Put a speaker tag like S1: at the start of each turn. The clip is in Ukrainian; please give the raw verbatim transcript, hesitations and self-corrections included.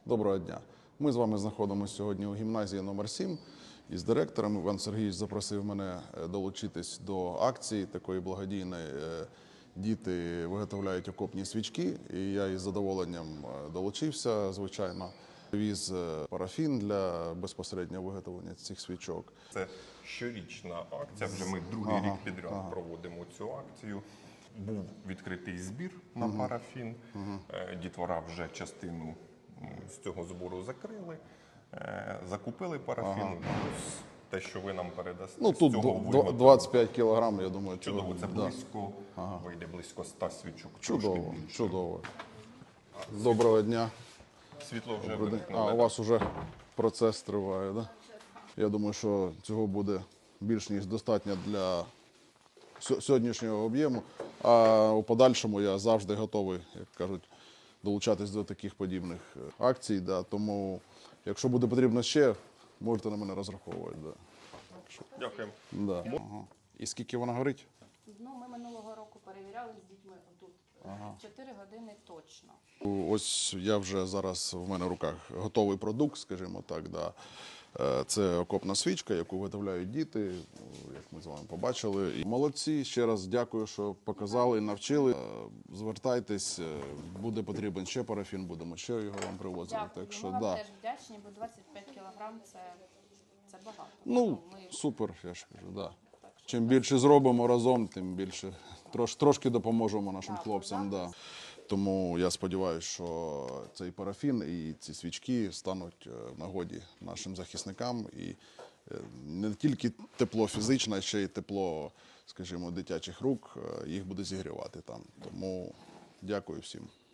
S1: Доброго дня. Ми з вами знаходимося сьогодні у гімназії номер сім із директором. Іван Сергійович запросив мене долучитись до акції такої благодійної. Діти виготовляють окопні свічки, і я із задоволенням долучився, звичайно. Віз парафін для безпосереднього виготовлення цих свічок.
S2: Це щорічна акція, вже ми другий ага, рік підряд ага. проводимо цю акцію. Був відкритий збір на угу. парафін, угу. дітвора вже частину з цього збору закрили, закупили парафін. Ага. Те, що ви нам передасте,
S1: ну, тут
S2: цього
S1: двадцять п'ять кілограм, я думаю.
S2: Чудово, це
S1: да.
S2: близько, ага. вийде близько ста свічок.
S1: Чудово, чудово. Доброго дня.
S2: Світло вже
S1: вимкнули. А, у вас вже процес триває, да? Я думаю, що цього буде більш ніж достатньо для сьогоднішнього об'єму. А у подальшому я завжди готовий, як кажуть, долучатись до таких подібних акцій. Да. Тому, якщо буде потрібно ще, можете на мене розраховувати. Да.
S2: Дякую.
S1: Да. Ага. І скільки вона горить?
S3: Ну, ми минулого року перевіряли з дітьми тут. Ага. чотири години точно.
S1: Ось я вже зараз, в мене в руках готовий продукт, скажімо так. Да. Це окопна свічка, яку виготовляють діти, як ми з вами побачили. І молодці, ще раз дякую, що показали, навчили. Звертайтесь, буде потрібен ще парафін, будемо ще його вам привозити.
S3: Дякую,
S1: так що,
S3: ми вам
S1: да.
S3: теж вдячні, бо двадцять п'ять кілограм це, це багато.
S1: Ну,
S3: ми...
S1: супер, я ж кажу, да. Чим більше зробимо разом, тим більше трош, трошки допоможемо нашим так, хлопцям. Да. Тому я сподіваюся, що цей парафін і ці свічки стануть в нагоді нашим захисникам. І не тільки тепло фізичне, а ще й тепло, скажімо, дитячих рук їх буде зігрівати там. Тому дякую всім.